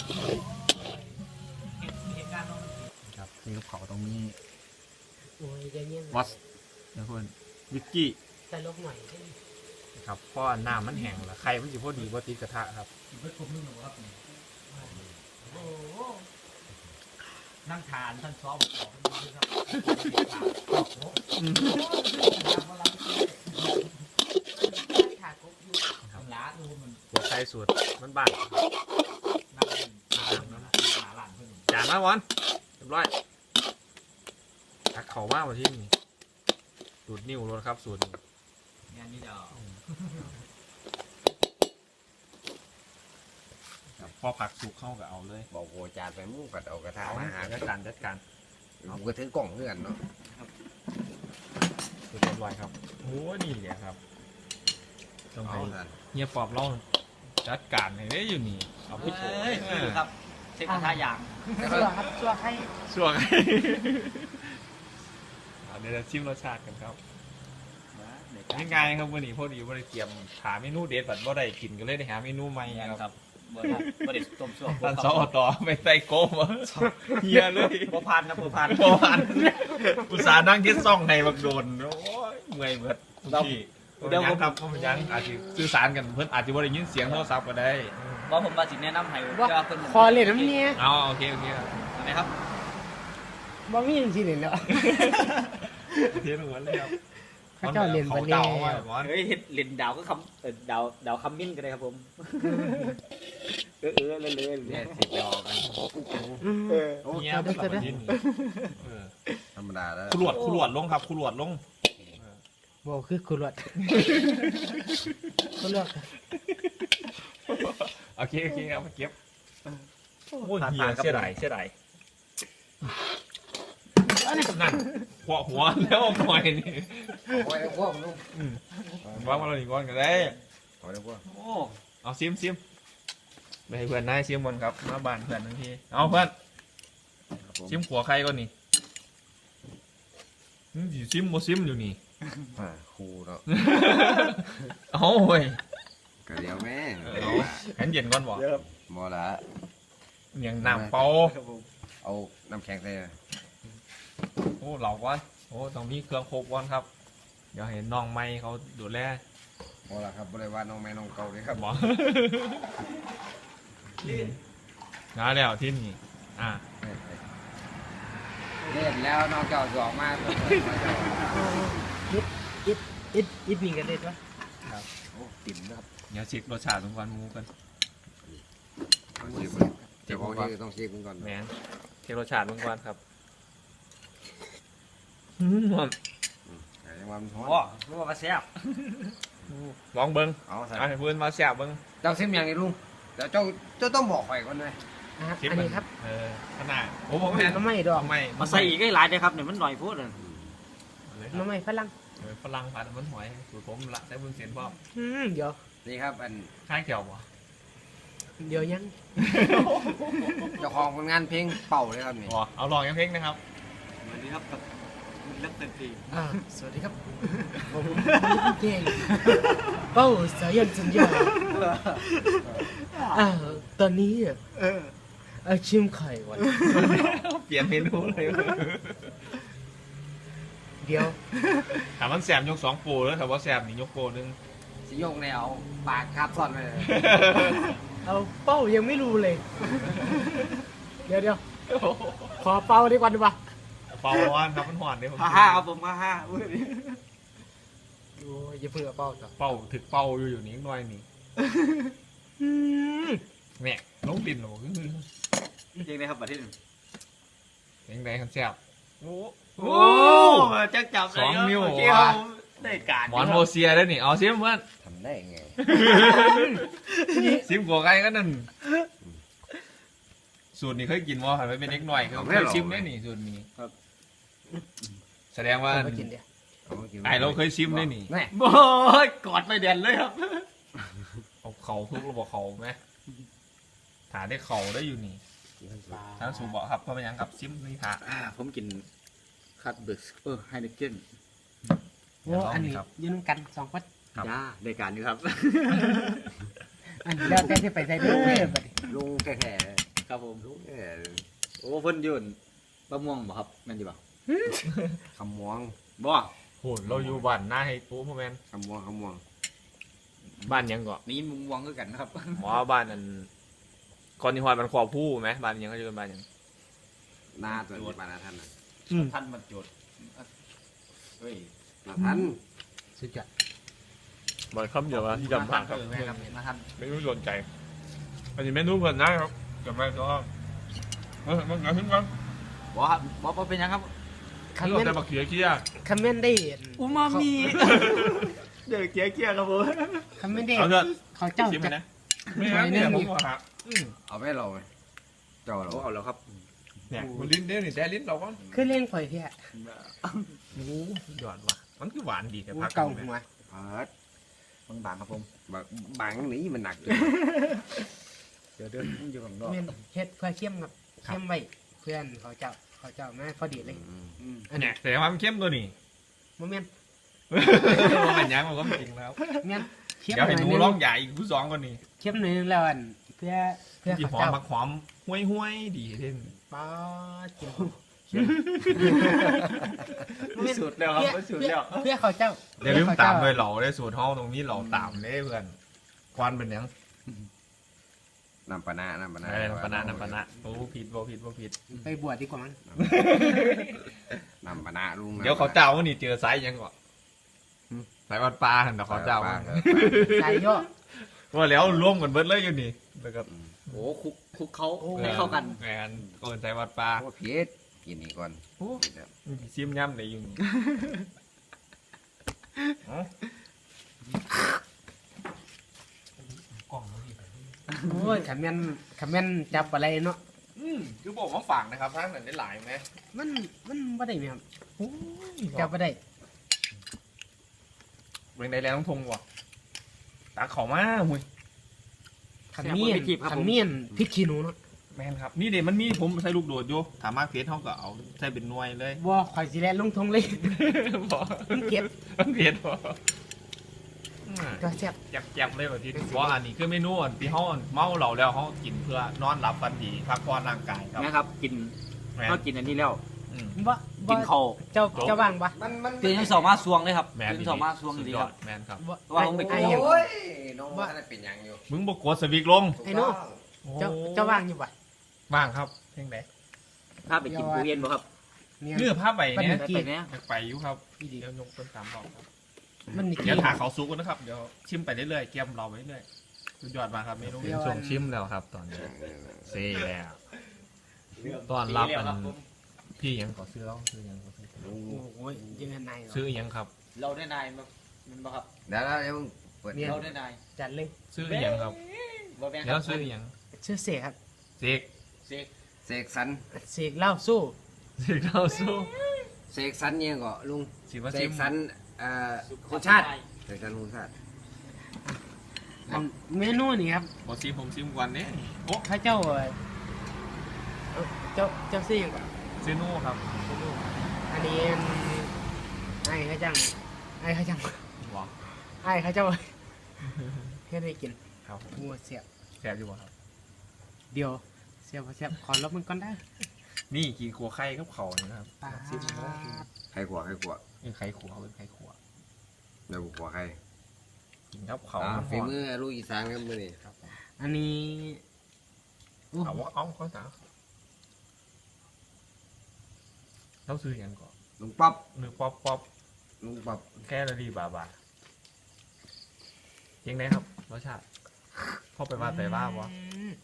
[SPEAKER 1] ครับนี่ลูกเขาตรงนี้
[SPEAKER 3] โอ้ยใจเย็น
[SPEAKER 1] วอสนะเพื่อนวิกกี้
[SPEAKER 3] ใส่ลกหน่อย
[SPEAKER 1] ครับเพราะว่าน้ำมันแห้งแล้วไข่มันสิพอดีพอติดกระทะครับ
[SPEAKER 3] โอ้โห
[SPEAKER 4] นั่งทานท่านซ้อมบอก
[SPEAKER 3] ถากบอยู่
[SPEAKER 1] ครับ
[SPEAKER 4] ล้าดูมัน
[SPEAKER 1] หัวไข่สูตรมันบ้าน
[SPEAKER 4] นั่งหาหลานเพื่อน
[SPEAKER 1] จานมาวอนเรียบร้อยตักเข่ามากกว่าที่นี่สูตรนิ้วรถครับสูตรนี้
[SPEAKER 4] งานนี้เดี๋ยว
[SPEAKER 1] ครับพอผักสุกเข้ากับเอาเลย
[SPEAKER 2] บอกโอ้จานไปมุ่งกัดเอากระทะ
[SPEAKER 1] เอา
[SPEAKER 2] มาหา
[SPEAKER 1] จัดการจัดการ
[SPEAKER 2] ผมก็ถือกล่องเพื่อนเนาะ
[SPEAKER 1] สูตรเรียบร้อยครับโอ้นี่แหละครับต้องให้
[SPEAKER 2] เอาท่าน
[SPEAKER 1] เฮียปอบเราจัดการให้ได้อยู่นี่เอาไปโชว์
[SPEAKER 4] เอ้ยคือครับเช็คกระทะยาง
[SPEAKER 3] ชัวครับชัวให้
[SPEAKER 1] ช่วงเอาเดี๋ยวจะชิมรสชาติกันครับง่ายๆครับวันนี้พอดีวันนี้เตรียมหาเมนูเด็ดแบบว่าได้กินก็เลยได้หาเมนูใหม่
[SPEAKER 4] นี่
[SPEAKER 1] ค
[SPEAKER 4] ค
[SPEAKER 1] รั
[SPEAKER 4] รั
[SPEAKER 1] บบ
[SPEAKER 4] บ่ได้บ่ได้ต้มชั่ว
[SPEAKER 1] ท่านสอต่อไปใส่โก้มาเฮียเลย
[SPEAKER 4] บ่พันนะบ่พัน
[SPEAKER 1] โอ้พันอุตส่าห์นั่งที่ซ่องในบักโดนโอ้ยเมื่อยเบิดพี่เดี๋ยวผมทำผมยังอาจจะสื่อสารกันเพื่อนอาจจะว่าได้ยินเสียงโทรศัพท์ก็ได้
[SPEAKER 4] บ่ผมมาสิแนะนำให้
[SPEAKER 3] ว่า
[SPEAKER 4] ว่าเพิ่น
[SPEAKER 3] คอเล่นน้ำเนี้ย
[SPEAKER 1] เอาโอเคโอเคครับ
[SPEAKER 4] นะครับ
[SPEAKER 3] บ่มีจริงๆเลยเนาะ
[SPEAKER 1] โอเคทุกคนเลยครับ
[SPEAKER 3] เขาเจ้าเล่น
[SPEAKER 1] เขา
[SPEAKER 3] บันเล่
[SPEAKER 1] เดาว่าแบบว่า
[SPEAKER 4] เฮ้ยเฮ็ดเล่นดาวก็คำเออดาวดาวคำมิ้นก็ได้ครับผมเออเออเลยเลย
[SPEAKER 2] เนี่ยสิบดอกกัน
[SPEAKER 3] เออ
[SPEAKER 1] เงีย
[SPEAKER 3] เอา
[SPEAKER 1] บ
[SPEAKER 3] เด้อ
[SPEAKER 1] แบบ
[SPEAKER 3] เด้อ
[SPEAKER 1] นี้เออ
[SPEAKER 2] ธรรมดาแล้ว
[SPEAKER 1] ขลวดขลวดลงครับขลวดลง
[SPEAKER 3] บ่คือคุรวดคุรวด
[SPEAKER 1] โอเคโอเคเอามาเก็บโอ้ยเฮียเสียดายเสียดายนั่นหัวหัวแล้วหน่อยนี่
[SPEAKER 2] โอ้ยแล้วพวกลูก
[SPEAKER 1] วางมาเราหนีก่อนกันได้
[SPEAKER 2] โอ้ยแล้วพวก
[SPEAKER 4] โอ้
[SPEAKER 1] เอาซิมซิมไปให้เพื่อนนายซิมบนครับมาบ้านเพื่อนทั้งทีเอาเพื่อนซิมขัวใครก่อนนี่อืมสิซิมโมซิมอยู่นี่
[SPEAKER 2] อ่าครูเนาะ
[SPEAKER 1] เอาเว้ย
[SPEAKER 2] ก็เดี๋ยวแม่
[SPEAKER 1] เอาแขนเย็นก่อนบ่
[SPEAKER 2] บ่ละ
[SPEAKER 1] อย่างน้ำเปล่า
[SPEAKER 2] เอาน้ำแข็งใส่
[SPEAKER 1] โอ้เหล่าก่อนโอ้ต้องมีเครื่องครบก่อนครับเดี๋ยวเห็นน้องไม้เขาดูแล
[SPEAKER 2] บ่ละครับบ่ได้ว่าน้องแม่น้องเก่าเลยครับ
[SPEAKER 1] หมอน้าแล้วที่นี่อ่า
[SPEAKER 2] เล่นแล้วน้องเก่าสองมา
[SPEAKER 3] อิดอิดอิดมีกันเด็ดวะ
[SPEAKER 2] โอ้ติ่มนะครับ
[SPEAKER 1] เดี๋ยวเช็ครสชาติของกันหมูกัน
[SPEAKER 2] ต้องเช็คเจ้าของที่ต้องเช็คมันก่อน
[SPEAKER 1] แมนเช็ครสชาติของกันครับอืม
[SPEAKER 2] ใช่แล้วงหวะมันฮ้อน
[SPEAKER 4] โอ้รู้ว่าแซ่บ
[SPEAKER 1] ลองเบิ้ง
[SPEAKER 2] เอาใส่
[SPEAKER 1] เอาให้เพื่อนมาแซ่บเบิ้ง
[SPEAKER 2] เจ้าซิมยังไงลุงเดี๋ยวเจ้าเจ้าต้องบอกไปก่อนเลย
[SPEAKER 3] อ่ะ
[SPEAKER 1] ชิม
[SPEAKER 3] อัน
[SPEAKER 1] มั
[SPEAKER 3] นี้ครับ
[SPEAKER 1] เออขนาดโอ้ผมแม่น
[SPEAKER 3] น้ำไม่ดอก
[SPEAKER 1] ไม่
[SPEAKER 4] มาใส่อีกให้หลายเลยครับเนี่ยมันหน่อยพูดเลย
[SPEAKER 3] น้ำไม่ฝรั่ง
[SPEAKER 1] เออฝรั่งผัดมันหอยสูตรผมละใช้บุญเสียนพ่อม
[SPEAKER 3] อืมเดี๋ยว
[SPEAKER 2] นี่ครับอัน
[SPEAKER 1] ข้างเขียวบ่
[SPEAKER 3] เดี๋ยวยัง
[SPEAKER 2] เจ้าของผลงานเพลงเป่าเลยครับนี่
[SPEAKER 1] อ๋อเอาลองยังเพลงนะครับ
[SPEAKER 4] สวัสดีครับกับเล็กเต็มที
[SPEAKER 3] อ่าสวัสดีครับผมเก่งเป้าสายันสัญญาอ่าตอนนี้อ่ะ
[SPEAKER 4] เออ
[SPEAKER 3] เอาชิมไข่ก่อน
[SPEAKER 1] เปลี่ยนเมนูเลย
[SPEAKER 3] เดี๋ยว
[SPEAKER 1] ถามมันแสบยกสองปูแล้วถามว่าแสบนี่ยกโปนึง
[SPEAKER 2] สิโยกแนวปากคาบซ่อนเลย
[SPEAKER 3] เอาเป้ายังไม่รู้เลย เดี๋ยวเดี๋ยวขอเป้าดีกว่าดีกว่า
[SPEAKER 1] เป่าร้อนครับมันหวานเนี่ยผม
[SPEAKER 4] ฮ่าฮ่าครับผมฮ่าฮ่าอุ้ย
[SPEAKER 3] โอ้ยอย่าเพิ่งเอาเป้าต่อ
[SPEAKER 1] เป่าถึกเป่าอยู่อยู่นี่หน่อยนี่
[SPEAKER 3] อืม
[SPEAKER 1] แม่ลงดินหรอคือ
[SPEAKER 4] ยังไงครับประเทศ
[SPEAKER 1] ยังไงครับแสบโอ้
[SPEAKER 4] โอ้จักจับ
[SPEAKER 1] สองนิ้ว
[SPEAKER 4] โอเคครับได้การ
[SPEAKER 1] หมอนโมเซียได้นี่เอาซิมเพื่อน
[SPEAKER 2] ทำได้ไง
[SPEAKER 1] ซิมกัวไก่ก็นั่นสูตรนี้เคยกินว่าหันไปเป็นเล็กหน่อยเคยชิมได้นี่สูตรนี้แสดงว่า
[SPEAKER 3] เอาไปกินเดี๋ยว
[SPEAKER 1] ไอเราเคยชิมได้นี่
[SPEAKER 2] แน่
[SPEAKER 4] โอ้ยกอดไปเด่นเลยครับ
[SPEAKER 1] เอาเขาทุกระบบเขาไหมถาได้เขาได้อยู่นี่ทั้งสูบบอกครับเพราะเป็นยังกับซิมนี่ถา
[SPEAKER 4] อ่าผมกินคัตเบิร์กเออไฮเนเก้น
[SPEAKER 3] โอ้อันนี้ยืนกันสองคน
[SPEAKER 4] จ้าได้การอยู่ครับ
[SPEAKER 3] อันนี้แล้วแต่ที่ไปใส่เด้อบัดนี้
[SPEAKER 2] ลุงแก่
[SPEAKER 4] ครับผม
[SPEAKER 2] ๆลุงแก่
[SPEAKER 4] โอ้เพิ่นยืนบะม่วงบ่ครับแม่นดีบ่
[SPEAKER 2] คำมวง
[SPEAKER 4] บ่
[SPEAKER 1] โหเราอยู่บ้านหน้าให้ปูพ่อแมน
[SPEAKER 2] คำมวงคำมวง
[SPEAKER 1] บ้านยังก่อน
[SPEAKER 4] นี่มุมวงคือกันนะครับ
[SPEAKER 1] หมอบ้านนั้นก่อนที่ฮอยมันขวบผู้ไหมบ้านยังก็อยู่บ้านยัง
[SPEAKER 2] หน้าตัวนี้ปานาท่านนะ
[SPEAKER 4] ท่านบรรจุเฮ้ย
[SPEAKER 2] นาท่าน
[SPEAKER 3] สุดยอด
[SPEAKER 1] บ่อยคำเดียวว่าที่จำผ่านครับ
[SPEAKER 4] แม่ครับมาท่าน
[SPEAKER 1] ไม่รู้สนใจอันนี้เมนูเพิ่นนะครับจำได้ก็เออมันเกิดขึ้นกัน
[SPEAKER 4] บ่ครับบ่บ่เป็นหยังครับ
[SPEAKER 3] คำ
[SPEAKER 1] เรา
[SPEAKER 3] เมน
[SPEAKER 1] จะมาเขียเคี้ย
[SPEAKER 3] คำเมนได้เห็น
[SPEAKER 4] อูมามิเดี๋ยวเกี้ยเกี้ยครับผม
[SPEAKER 3] คำเมนได้
[SPEAKER 1] เอาเถอะ
[SPEAKER 3] เขาเจ้า
[SPEAKER 1] ชิมไป
[SPEAKER 3] จะ
[SPEAKER 1] นะไม่งั้นเนี่ยผมว่าครับอืม
[SPEAKER 2] เอาไปเราไหมเจ้าเรา
[SPEAKER 4] โอ้เอาแล้วครับ
[SPEAKER 1] เนี่ยมันลิ้นเด้นี่แต่ลิ้นเราก็
[SPEAKER 3] ขึ้นเล่นข่อยเพี้ย
[SPEAKER 1] โอ้หยอดว่ะมันคือหวานดีแต่
[SPEAKER 3] โอ้
[SPEAKER 1] พัก
[SPEAKER 3] เก่า
[SPEAKER 1] นี่
[SPEAKER 3] หัว
[SPEAKER 2] เพิด
[SPEAKER 4] บางบางครับผม
[SPEAKER 2] บักบังนี้มันหนักเลย
[SPEAKER 4] เดี๋ยวเดินอยู่ข้างนอก
[SPEAKER 3] เมนเฮ็ดเพื่อเข้มครับเข้มไว้เพื่อนเขาเจ้าเขาเจ้ามาพอดีเลย
[SPEAKER 2] อืม
[SPEAKER 3] อัน
[SPEAKER 1] เนี่
[SPEAKER 3] นี้
[SPEAKER 1] ยแต่ว่ามันเข้มตัวนี้
[SPEAKER 3] โมเมน
[SPEAKER 1] มันเป็นยังมันก็จริงแล้ว
[SPEAKER 3] เมนเข้ม
[SPEAKER 1] เดี๋ยว
[SPEAKER 3] หน่
[SPEAKER 1] ให้
[SPEAKER 3] อย
[SPEAKER 1] หนู
[SPEAKER 3] นึง
[SPEAKER 1] ร้องใหญ่อีกผู้สองคนนี้
[SPEAKER 3] เข้มหน่อยนึงแล้วอันเพื่อเพื่อ
[SPEAKER 1] ที่
[SPEAKER 3] เขา
[SPEAKER 1] หอม
[SPEAKER 3] เจ้า
[SPEAKER 1] มาหอมห้วยห้วยๆดีเท่น
[SPEAKER 3] ป้ากิน
[SPEAKER 4] สุดแล้วครับสุดแล้ว
[SPEAKER 3] เพื่อเขาเจ้า
[SPEAKER 1] เดี๋ยวลืมตามด้วยเหล่าได้สูตรห้องตรงนี้เหล่าตามได้เพื่อนควันเป็นยัง
[SPEAKER 2] น้ำปะนะน้ำปะนะ
[SPEAKER 1] อะไรน้ำปะนะน้ำปะนะโอ้ผิดบ่ผิดบ่ผิด
[SPEAKER 3] ไปบวชดีกว่ามั้ง
[SPEAKER 2] น้ำปะนะลุง
[SPEAKER 1] เดี๋ยวเขาเจ้าวันนี้เจอไซส์ยังก่อนสายวัดปลาเห็นแต่เขาเจ้า
[SPEAKER 3] ใส่ย่อ
[SPEAKER 1] ว่าแล้วร่วมกันเบิดเลยอยู่นี่แล้วก็
[SPEAKER 4] โอ้คุกคุกเขาให้เข้ากัน
[SPEAKER 1] แมนก็เป็นสายวัดปลา
[SPEAKER 2] โอ้เพียดกินนี่ก่อน
[SPEAKER 1] โอ้ซิมย่ำเลยอยู่นี่กล่องมันดี
[SPEAKER 3] โอ้ยขมิ้นขมิ้นจับอะไรเนาะ
[SPEAKER 1] อืมคือบอกว่าฝากนะครับท่านนั้นได้หลายไหม
[SPEAKER 3] มันมันไม่ได้ไหมครับ
[SPEAKER 1] โอ้ย
[SPEAKER 3] จับไม่ได้
[SPEAKER 1] เรื่องใดแล้วต้องทงว่ะตาเขามาหุย
[SPEAKER 3] ขมิ้นขมิ้นพริกขี้หนูเนาะ
[SPEAKER 1] แมนครับนี่เดี๋ยวมันมีผมใส่ลูกโดดอยู่ถามมากเทสเขาก็เอาใส่เป็นหน่วยเลย
[SPEAKER 3] ว่าข่อยสิแลนลงทงเลย
[SPEAKER 1] บอก
[SPEAKER 3] มันเก็บ
[SPEAKER 1] มันเผ็ดบ่อืม
[SPEAKER 3] ก็แซ่บ
[SPEAKER 1] แจ็บๆเลยแบบที่ว่าอันนี้คือเมนูอันที่เขาเมาเหล้าแล้วเขากินเพื่อนอนหลับฝันดีพักผ่อนร่างกายครับ
[SPEAKER 4] นะครับ กิน
[SPEAKER 1] แมน
[SPEAKER 4] ก็กินอันนี้แล้ว
[SPEAKER 1] อืม
[SPEAKER 3] บ่
[SPEAKER 4] กินข้าว
[SPEAKER 3] เจ้าเจ้าว่างปะ
[SPEAKER 2] มันมัน
[SPEAKER 4] ตื่นยังสองมาสวงเลยครับ
[SPEAKER 1] แมน
[SPEAKER 4] ตื่นสองมาสวง
[SPEAKER 1] สุด
[SPEAKER 4] ดี
[SPEAKER 1] ย
[SPEAKER 4] ค
[SPEAKER 1] อ
[SPEAKER 4] รั
[SPEAKER 1] ด
[SPEAKER 4] บ
[SPEAKER 1] แมนครับ
[SPEAKER 4] ว่าผมไปกิน
[SPEAKER 3] อ้
[SPEAKER 2] โอ้ยน้องว่าเป็นยังอยู่
[SPEAKER 1] มึงบอกกดสวิกลง
[SPEAKER 3] ไอ้โน่เจ้าเจ้าว่างอยู่ปะ
[SPEAKER 1] ว่างครับเพ่งไหน
[SPEAKER 4] ถ้าไปกินปูเย็นบ่ครับ
[SPEAKER 3] เนี่ย
[SPEAKER 1] เนื้อผ้าใบเนี้ย
[SPEAKER 3] กิน
[SPEAKER 4] ไปเนี้ย
[SPEAKER 1] ไปอยู่ครับ
[SPEAKER 3] อีดี
[SPEAKER 1] เดี๋ยวยกต้นสามบอกครับ
[SPEAKER 3] มันนี่
[SPEAKER 1] เดี๋ยวถาเขาซุกกันนะครับเดี๋ยวชิมไปเรื่อยๆเกียมเราไปเรื่อยสุดยอดมากครับเมนูส่งชิมแล้วครับ ตอนนี้เซ่แล้วตอนรับอันพี่ยังขอซื้อแล้วซื้อยังขอซื้อ
[SPEAKER 3] โอ้ยยังไง
[SPEAKER 1] ซื้อยังครับ
[SPEAKER 4] เราได้นายมามันบ่ครับ
[SPEAKER 2] เดี๋ยวแล้วเดี๋ยวเปิด
[SPEAKER 4] เราได้นาย
[SPEAKER 3] จัดเลย
[SPEAKER 1] ซื้ออหย่างครับ
[SPEAKER 4] บ่แม่นค
[SPEAKER 1] แล้
[SPEAKER 4] รั
[SPEAKER 1] วซื้ออหย่าง
[SPEAKER 3] ชื่อเสกครับ
[SPEAKER 1] เสก
[SPEAKER 4] เสก
[SPEAKER 2] เสกสรร
[SPEAKER 3] เสกเหล่าสู้
[SPEAKER 1] เสกเราสู้
[SPEAKER 2] เสกสรรเนี่ยก็ลุง
[SPEAKER 1] สิว่า
[SPEAKER 2] เส
[SPEAKER 1] ซิ
[SPEAKER 2] ก
[SPEAKER 1] ม
[SPEAKER 2] สรรเอ่อคุณชาติเสกสรรคุณชาติ
[SPEAKER 3] อันเมนูนี่ครับ
[SPEAKER 1] บอซิมผมซิมก่อนเนี่ยโอ้
[SPEAKER 3] พระเจ้าเอ่อเจ้าเจ้าซี่ก่อน
[SPEAKER 1] ซื้อนู่ครับ
[SPEAKER 3] อันนี้ไอ้ข้าจังไอ้ข้าจัง
[SPEAKER 1] หวาน
[SPEAKER 3] ไอ้ข้าเจ้าเฮ็ดให้กิน
[SPEAKER 1] ครับผม
[SPEAKER 3] งัวเสียบ
[SPEAKER 1] แซ่บอยู่บ่ครับ
[SPEAKER 3] เดียวเสียบบ่เสียบขอลบมันก่อนได้
[SPEAKER 1] นี่กินขัวไข่กับเขานี่นะครับ
[SPEAKER 3] ปา
[SPEAKER 1] ซิมแล้ว
[SPEAKER 2] ใครขวาใครขวา
[SPEAKER 1] เป็นไข่ขัวเป็นไข่ขัว
[SPEAKER 2] เดี๋ยวขวาใคร
[SPEAKER 1] กินกับเขา
[SPEAKER 2] อ่า
[SPEAKER 1] มันห
[SPEAKER 2] ฝี
[SPEAKER 1] อม
[SPEAKER 2] มือลูกอีสานครับมือนี่
[SPEAKER 1] ครับผม
[SPEAKER 3] อันนี้โอ้
[SPEAKER 1] เอาว่าเอาข้าวสารเราซื้ออย่างก่อน
[SPEAKER 2] ลุงป๊อป
[SPEAKER 1] หรือป๊อปป๊อป
[SPEAKER 2] ลุงป๊อป
[SPEAKER 1] แค่ละดีบาบายังไงครับรสชาติพ่อไปว่าไปว่าวะ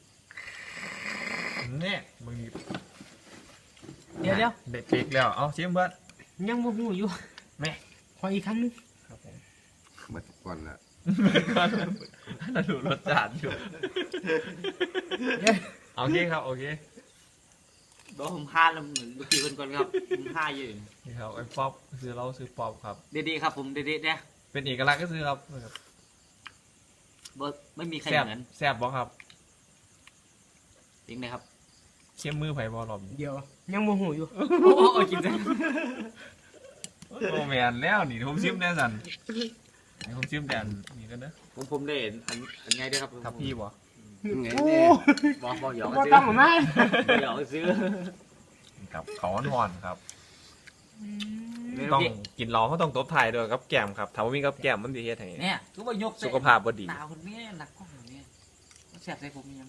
[SPEAKER 3] อืม
[SPEAKER 1] เนี่ยมึง
[SPEAKER 3] เดี๋ยวเดี๋ยว
[SPEAKER 1] เด็ดปีกแล้วเอาชิมเบิร์ด
[SPEAKER 3] ยังบ่ฮู้อยู่
[SPEAKER 1] แม่
[SPEAKER 3] ขออีกครั้งหนึง
[SPEAKER 1] ครับผม
[SPEAKER 2] มาก่อนละ
[SPEAKER 1] น่าดูรสชาติอยู่
[SPEAKER 3] เดี๋ยว
[SPEAKER 1] โอเคครับโอเค
[SPEAKER 4] บ่ผมห้าแล้วเหมือนเมื่อกี้เพิ่นก่อนครับผมห้าอยู่
[SPEAKER 1] นี่ครับไอ้ป๊อปซื้อเราซื้อป๊อปครับ
[SPEAKER 4] เด็ดๆครับผมเด็ดๆนะ
[SPEAKER 1] เป็นเอกลักษณ์ก็ซื้อครับ
[SPEAKER 4] บ่ไม่มีใคร
[SPEAKER 1] แซ่บ
[SPEAKER 4] เหมือน
[SPEAKER 1] แซ่บบ่ครับ
[SPEAKER 4] จริงนะครับ
[SPEAKER 1] เข้มมือไผ่บอลอม
[SPEAKER 3] เดี๋ยวยังบ่ฮู้อยู่
[SPEAKER 4] โอ้โหกินจัง
[SPEAKER 1] โอ้แมนแล้วนี่ผมชิมแน่สันนี่ผมชิมแต่อันนี่กันนะ
[SPEAKER 4] ผมผมได้เห็นอันอันไงด้วยครับ
[SPEAKER 1] ทับพี่บ่
[SPEAKER 2] ไง
[SPEAKER 3] โอ้
[SPEAKER 2] เนี่ย
[SPEAKER 4] บ่บ่หยอก
[SPEAKER 3] บ่
[SPEAKER 4] ซื้อ
[SPEAKER 3] ต้องมา
[SPEAKER 4] บ่หยอกซื้อ
[SPEAKER 1] กับเขาอ่อนๆครับ
[SPEAKER 4] เมนู
[SPEAKER 1] ต้อง
[SPEAKER 4] ที่
[SPEAKER 1] กินเราเขาต้องตบถ่ายด้วยกับแก้มครับถ้าว่ามีกับแก้มมันดีเฮ็ดให้
[SPEAKER 4] เนี่ยทุกว่ายก
[SPEAKER 1] สุขภาพบ่ดี
[SPEAKER 4] หนาวคนนี้หนักกล้องคนนี้แซ่บใส่ผมยัง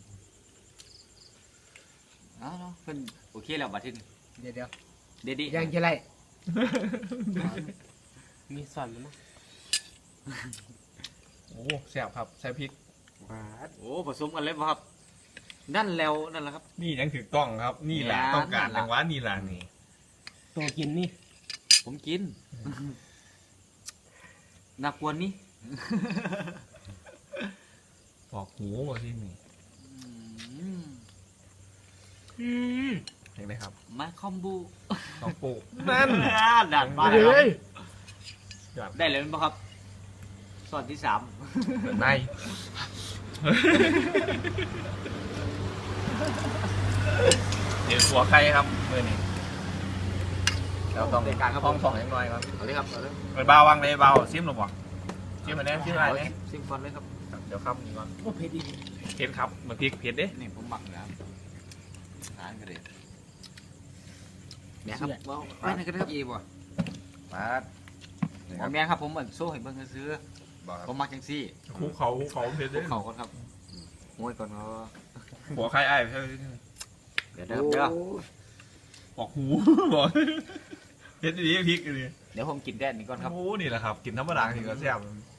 [SPEAKER 4] เอาเนาะเพิ่นโอเคแล้วบัดทีนี้
[SPEAKER 3] เดี๋ยวเดี๋ยว
[SPEAKER 4] เด็ดๆ
[SPEAKER 3] ยังจะไรมีสอนมั้ยนะ
[SPEAKER 1] โอ้แซ่บครับใส่พริก
[SPEAKER 2] บาด
[SPEAKER 4] โอ้ผสมกันเลยบ่ครับนั่นแล้วนั่นแหละครับ
[SPEAKER 1] นี่ยังถือกล้องครับ นี่แหละ
[SPEAKER 4] เนี่ย
[SPEAKER 1] ต้องการ
[SPEAKER 4] นั่นล่ะ
[SPEAKER 1] จังหวะนี่แหละนี่
[SPEAKER 3] ตัวกินนี่
[SPEAKER 4] ผมกินน่ากวนนี่
[SPEAKER 1] ปอกหูบ่ที่นี่
[SPEAKER 4] อืม
[SPEAKER 3] อืม
[SPEAKER 1] เห็นไหมครับ
[SPEAKER 4] มาคอมบู
[SPEAKER 1] ต้องปลูก
[SPEAKER 4] นั่นดันมา
[SPEAKER 3] เฮ้ย
[SPEAKER 1] ยอด
[SPEAKER 4] ได้เลยมั้ยครับส่วนที่สาม
[SPEAKER 1] เปิดในเดี๋ยวหัวไข่ครับมือนี่เราต้อง
[SPEAKER 4] ในการครับ
[SPEAKER 1] ห้องสองอย่างน้อยครับ
[SPEAKER 4] เอาเลยครับเอาเลย
[SPEAKER 1] เปิดเบาวางเลยเบาซิมหรือเปล่าซิมมาแน่ซิมอะไรเนี่ย
[SPEAKER 4] ซิมฟอนเลยครับ
[SPEAKER 1] เดี๋ยวครับนี่ก่อน
[SPEAKER 3] โอ้เผ็ดอีก
[SPEAKER 1] เผ็ดครับมันพริกเผ็ดเด้
[SPEAKER 4] นี่ผมหมักแล้วทานกันเลยเนี่ยครับว้าวไปไหนกันครับ
[SPEAKER 2] อีบ่บาดนี่
[SPEAKER 4] ห
[SPEAKER 2] ค
[SPEAKER 4] ม
[SPEAKER 2] รั
[SPEAKER 4] อบ แมนครับผมเหมือนโซ่ให้เบิ่งซื้อ
[SPEAKER 2] บ่ครับ
[SPEAKER 4] ผมมักจังซี่
[SPEAKER 1] คูเขาคูเขาเผ็ด
[SPEAKER 4] พว
[SPEAKER 1] เด้
[SPEAKER 4] กเขาก่อนครับโอ้ยก่อนเขา
[SPEAKER 1] หัวไข่ไอ้ใช่
[SPEAKER 4] เดี๋ยวเดี๋ยวเดี๋ยว
[SPEAKER 2] โอ้
[SPEAKER 1] ปอกหูบอกเผ็ดดีพริกเลย
[SPEAKER 4] เดี๋ยวผมกินแดนนี้ก่อนครับ
[SPEAKER 1] โอ้นี่แหละครับ กินธรรมดาที่ก็แซ่บ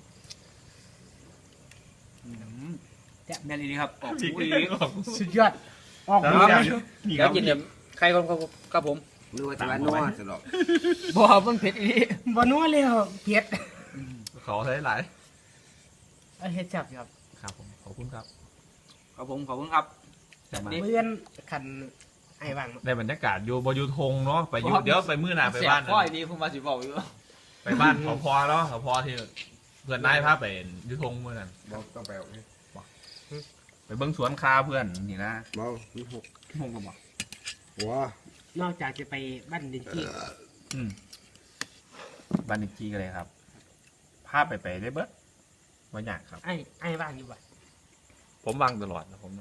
[SPEAKER 4] แม่นดีครับออก
[SPEAKER 1] พริก
[SPEAKER 4] หู
[SPEAKER 1] ดี
[SPEAKER 4] ดี
[SPEAKER 1] ออก
[SPEAKER 3] สุดยอดออก
[SPEAKER 1] แล้ว
[SPEAKER 3] มา
[SPEAKER 1] แซ่บอยู่นี่ค
[SPEAKER 4] เดี๋ย
[SPEAKER 1] รั
[SPEAKER 4] ว
[SPEAKER 1] บ
[SPEAKER 4] กินเดี๋ยวใครก่อนครับผม
[SPEAKER 2] นึกว่าจะว่านัวสลบ
[SPEAKER 4] บ่มันเผ็ดอี
[SPEAKER 3] บ่นัวเลยครับเผ็ด
[SPEAKER 1] เขาใช้หลาย
[SPEAKER 3] เอาเฮ็ดจับครับ
[SPEAKER 1] ครับผมขอบคุณครับ
[SPEAKER 4] ครับผมขอบคุณครับ
[SPEAKER 1] แต่มา
[SPEAKER 3] เพื่อนขันไอ้ว่าง
[SPEAKER 1] ได้บรรยากาศอยู่บอยู่ทงเนาะไปอยู่เดี๋ยวไปมื้อหน้าไปบ้าน
[SPEAKER 4] พ่อยนี่ผมมาสิบอกอยู่
[SPEAKER 1] ไปบ้านเขาพอเนาะเขาพอที่เพื่อนนายพาไปอยู่ทงมื้อนั้น
[SPEAKER 2] บ่ต้องไปเอานี่
[SPEAKER 1] ไปเบิ่งสวนคาเพื่อนนี่นะ
[SPEAKER 2] บ่มีหก
[SPEAKER 1] ทงก็บอก
[SPEAKER 2] หัวน
[SPEAKER 3] อกจากจะไปบ้านดินจี้
[SPEAKER 1] อืมบ้านอีกทีกันเลยครับพาไปไปได้เบิดบ่ยากครับ
[SPEAKER 3] ไอ้ไอ้ว่างอยู่บ่
[SPEAKER 1] ผมวางตลอดนะผมนะ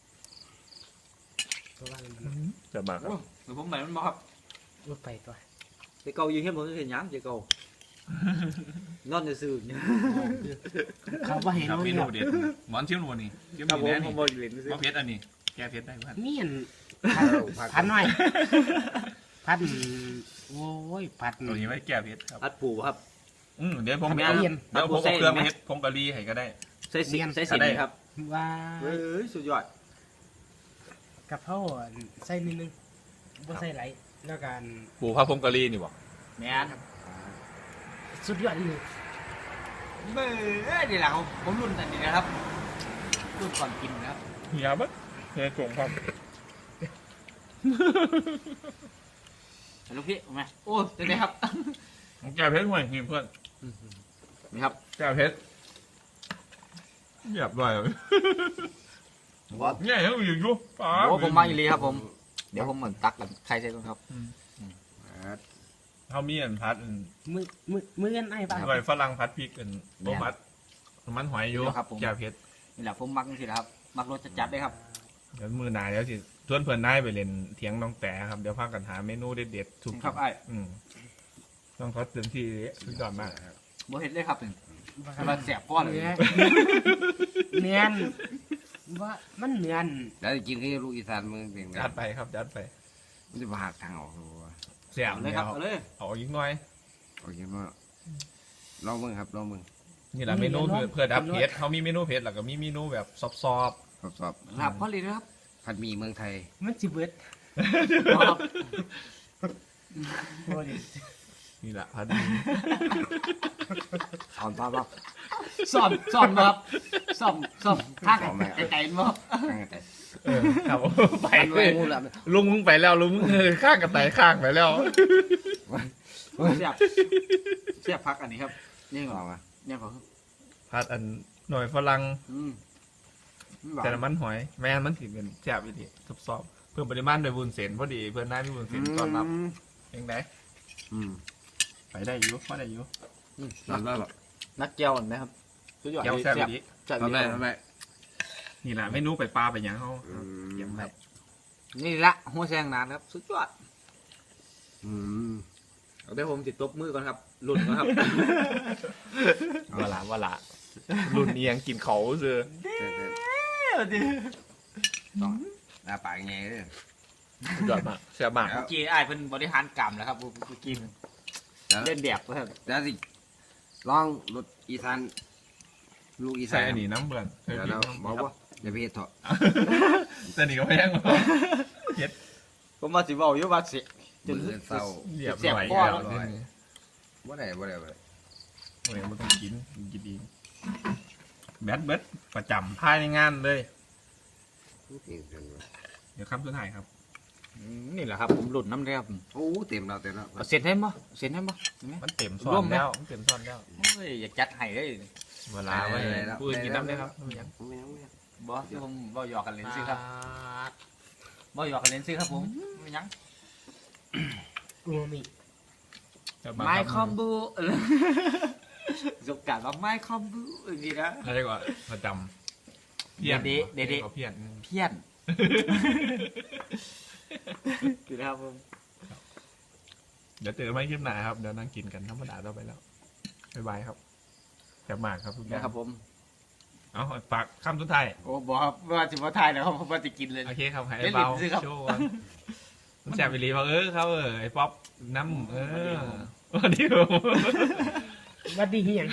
[SPEAKER 3] ตัวว่างมัน
[SPEAKER 1] จะมาครับ
[SPEAKER 4] หรือผมหมายมันบอกครับ
[SPEAKER 3] บ่ไปตัว
[SPEAKER 4] เจ๊เก่าอยู่เฮ็ดผมจะเห็นหยังเจ๊เก่านอนซื่อๆ
[SPEAKER 3] เขาบ่ให้
[SPEAKER 1] ครับ
[SPEAKER 3] รู้
[SPEAKER 1] เม
[SPEAKER 3] เรื่
[SPEAKER 1] นู
[SPEAKER 3] อง
[SPEAKER 1] เด็ดหมอนชิมหนูนี่ชิม
[SPEAKER 4] ครับ
[SPEAKER 1] นี่
[SPEAKER 4] ผม
[SPEAKER 1] แน่
[SPEAKER 4] ผ
[SPEAKER 1] นี่
[SPEAKER 4] มบ่เล่นซื่อ
[SPEAKER 1] มะเพชรอันนี้แก้เพชรได้เพื่อน
[SPEAKER 3] มีอัน
[SPEAKER 2] พั
[SPEAKER 3] พั
[SPEAKER 2] ด
[SPEAKER 3] นหน่อยพันโอ้ยพัน
[SPEAKER 1] ตัวนี้ไว้แก้เพชรครับ
[SPEAKER 4] อัดปูครับ
[SPEAKER 1] อืมเดี๋ยวผม
[SPEAKER 3] ทำไม
[SPEAKER 1] เอา
[SPEAKER 3] เอาเย็น
[SPEAKER 1] เดี๋ยวผมเอาเครื่องมาเฮ็ดผงกะหรี่ให้ก็ได้
[SPEAKER 4] ใส่สิ
[SPEAKER 3] เนียน
[SPEAKER 4] ใส่สินไหมครับ
[SPEAKER 3] ว่า
[SPEAKER 4] เฮ้ยสุดยอด
[SPEAKER 3] กับเพราใส่นิดนึงบ่ใส่ไหลแล้วกัน
[SPEAKER 1] ปูผ้าผงกะหรี่นี่บ่
[SPEAKER 4] แม่น
[SPEAKER 3] ใสุดยอดเลย
[SPEAKER 4] เบ้อนี่แหละผมผมรุ่นอันนี้นะครับรุ่นก่อนกินนะครับ
[SPEAKER 1] เฮียบัดเฮียกงครับ
[SPEAKER 4] ลูกพี่เอาไหมโอ้เดี๋ยวครับ
[SPEAKER 1] แก้วเพชรห่วยนี่เพื่อน
[SPEAKER 4] นี่ครับ
[SPEAKER 1] แก้วเพชรเหยียบด้วย
[SPEAKER 2] ว่า
[SPEAKER 1] เนี่ยยังอยู่อยู่ป๋า
[SPEAKER 4] โอ้ผมมาอีหลีครับผม เดี๋ยวผมเหมือนตักกับใครใช่ไหมครับ
[SPEAKER 1] เขามีอันพัดอัน
[SPEAKER 3] มือมือมือกันไอ้ป่ะ
[SPEAKER 1] อร่อยฝรั่งพัดพริกอันโบพัดมันหอยอยู่
[SPEAKER 4] ครับผม
[SPEAKER 1] แก้วเพชร
[SPEAKER 4] นี่แหละผมมักนี่สิครับ มักรสจัดๆเลยครับ
[SPEAKER 1] เดี๋ยวมือหนาเดี๋ยวสิชวนเพื่อนได้ไปเล่นเถียงน้องแต่ครับเดี๋ยวพากันหาเมนูเด็ดๆถูก
[SPEAKER 4] ครับไอ้
[SPEAKER 1] อืมต้องเขาเต็มที่สุดยอดมาก
[SPEAKER 4] โบเห็ดเลยครับกำลังแสบพ่อเลย
[SPEAKER 3] เนื้อเนียนว่ามันเนียน
[SPEAKER 2] แล้วกินที่ลูกอีสานมึงเป็นไง
[SPEAKER 1] จัดไปครับจัดไป
[SPEAKER 2] มันจะมาหักทางออกตัว
[SPEAKER 1] เสียบ
[SPEAKER 4] เอาเล
[SPEAKER 1] เลย ย
[SPEAKER 4] ค
[SPEAKER 1] ค
[SPEAKER 4] รั
[SPEAKER 1] รั
[SPEAKER 4] บบ เอาเลย
[SPEAKER 1] เอาอีกหน่อย
[SPEAKER 2] โอเคมั้งลองมึงครับลองมึง
[SPEAKER 1] นี่แหละเมนูเพื่อเพื่อดับเผ็ดเขามีเมนูเผ็ดแล้วก็มีเมนูแบบซอบ
[SPEAKER 2] สอบสอบ
[SPEAKER 4] ครับพ่อเลยนะครับ
[SPEAKER 2] ผัดหมี่เมืองไทย
[SPEAKER 3] มันสิเบิด
[SPEAKER 4] ครับ
[SPEAKER 3] บ่ได้
[SPEAKER 1] ๆนี่แหละพัด
[SPEAKER 2] สอนป้าบ้า
[SPEAKER 4] ซ่อมซ่อมครับซ่อมซ่อมข้างไก่ๆมั้ง
[SPEAKER 2] ตั้งแต่
[SPEAKER 1] เออครับไป
[SPEAKER 2] ไป
[SPEAKER 1] เลย
[SPEAKER 2] งูละ
[SPEAKER 1] ลุงมึงไปแล้วลุงมึงเออข้างกับไตข้างไปแล้ว
[SPEAKER 4] เสียบเสียบพักอันนี้ครับนี่
[SPEAKER 2] ล
[SPEAKER 4] ก่อ
[SPEAKER 2] อน งอ่ะ
[SPEAKER 4] นี่ก่อน
[SPEAKER 1] พัดอันหน่อยฝรั่ง
[SPEAKER 4] อืม
[SPEAKER 1] แต่น้ำมันหอยแม่นมันถึงเป็นแซ่บอีกทีซอบๆเพิ่มปริมาณโดยบุญเส้นพอดีเพื่อนได้มีบุญเส้นต้อนรับยังไง
[SPEAKER 2] อืม
[SPEAKER 1] ไปได้อยู่พอได้อยู่
[SPEAKER 2] ทำได้หรอ
[SPEAKER 4] นักเจียวไหมครับสุดยอด
[SPEAKER 1] เดี๋ยวแซ่บอีกที
[SPEAKER 4] แซ่บ
[SPEAKER 2] ทำได้ทำได้
[SPEAKER 1] นี่แหละเมนูไปปลาไปหยังเขา
[SPEAKER 2] เยี่ยมครับ
[SPEAKER 4] นี่ละหัวแซงนานครับสุดยอด
[SPEAKER 2] อืม
[SPEAKER 4] เดี๋ยวผมติดตบมือก่อนครับหลุดก่อนครับ
[SPEAKER 1] ว่าละว่าละรุ่นนี้ยังกินเขาเสือ
[SPEAKER 2] ต้องหน้าปากไงเลย
[SPEAKER 1] สุดยอดมากแซ่บมาก
[SPEAKER 4] เมื่อกี้ไอ้ายเป็นบริหารกรรมแล้วครับเมื่อกี้เล่นแบบครับ
[SPEAKER 2] แล้วสิลองรถอีสานลูกอี
[SPEAKER 1] ใส่
[SPEAKER 2] สาน
[SPEAKER 1] อันนี้น้ำเบื่อนเคย
[SPEAKER 2] เดี๋ยว
[SPEAKER 1] กิน
[SPEAKER 2] เรา
[SPEAKER 1] น้ำ
[SPEAKER 2] บอกว่าอย่าไปเฮ็ดเถอะ
[SPEAKER 1] แต่นี่ก็ไม่ยังหรอกเย็ด
[SPEAKER 4] ผมมาสิบอกอยู่ว่าสิจน
[SPEAKER 2] มือเศร้า
[SPEAKER 1] เรียบ
[SPEAKER 4] เสียบ
[SPEAKER 1] ร้อย
[SPEAKER 4] ก้อน
[SPEAKER 1] แล้ว
[SPEAKER 2] เรียบร้อย
[SPEAKER 1] นี่
[SPEAKER 2] บ่ได้บ่ได้บ่ได้
[SPEAKER 1] โอ้ยมันต้องกินกินเองแบดเบิดประจำภายในงานเลย
[SPEAKER 2] เต็มเต็มเลย
[SPEAKER 1] เดี๋ยวคำสุดท้ายครับ
[SPEAKER 4] นี่แหละครับผมหลุดน้ำเลยครับ
[SPEAKER 2] โอ้เต็มแล้วเต็มแล้ว
[SPEAKER 4] เอาเสร็จให้มั้เสร็จให้มั้
[SPEAKER 1] มันเต็มซ้อ
[SPEAKER 4] ร่วน มไหม
[SPEAKER 1] แล้วมันเต็มซ้อนแล้ว
[SPEAKER 4] โอ้ยอยากจัดให้เลย
[SPEAKER 1] เวลาไว้พูดกินน้ำได้ครับไม่ยัง
[SPEAKER 2] ไม่เอาไม่เอา
[SPEAKER 4] บอสที่ผมบอหยอกกันเล่นซิครับบอหยอกกันเล่นซิครับผมไม่ยัง
[SPEAKER 3] อูมามิ
[SPEAKER 1] จะา
[SPEAKER 4] ไม้
[SPEAKER 1] รับ
[SPEAKER 4] คอมบูสกการว่าไม้คอมบูอย่างนี้นะ
[SPEAKER 1] อะไรกว่าประจำเพี้ยน
[SPEAKER 4] เดะเดะเดะ
[SPEAKER 1] เพี้ยน
[SPEAKER 4] เพี้ยนคือนะครับผม
[SPEAKER 1] เดี๋ยวเจอกันไม่คลิปหน้าครับเดี๋ยวนั่งกินกันธรรมดาต่อไปแล้วบ๊ายบายครับแซ่บมากครับทุกอย่าง
[SPEAKER 4] นะครับผม
[SPEAKER 1] เอาฝากคำสุดท้าย
[SPEAKER 4] โอ้บอกครับว่าจะมาทายแล้วครับผมว่าจะกินเลย
[SPEAKER 1] โอเคครับให้
[SPEAKER 4] เล่น
[SPEAKER 1] เบา
[SPEAKER 4] ลิ้นสิครับ
[SPEAKER 1] โชว์ก่อนมันแซ่บไปรีว่าเออเขาเออไอ้ป๊อปน้ำเออวันนี้ผม
[SPEAKER 3] วัดดีเฮียง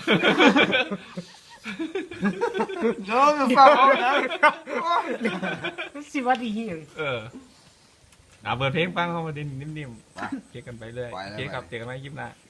[SPEAKER 2] โน้มฟังนะ
[SPEAKER 3] สิวัดดีเฮียง
[SPEAKER 1] เออเอาเปิดเพลงฟังเข้ามาดินนิ่มๆเจอกันไปเลยโอเคครับเจอกันใหม่คลิปหน้า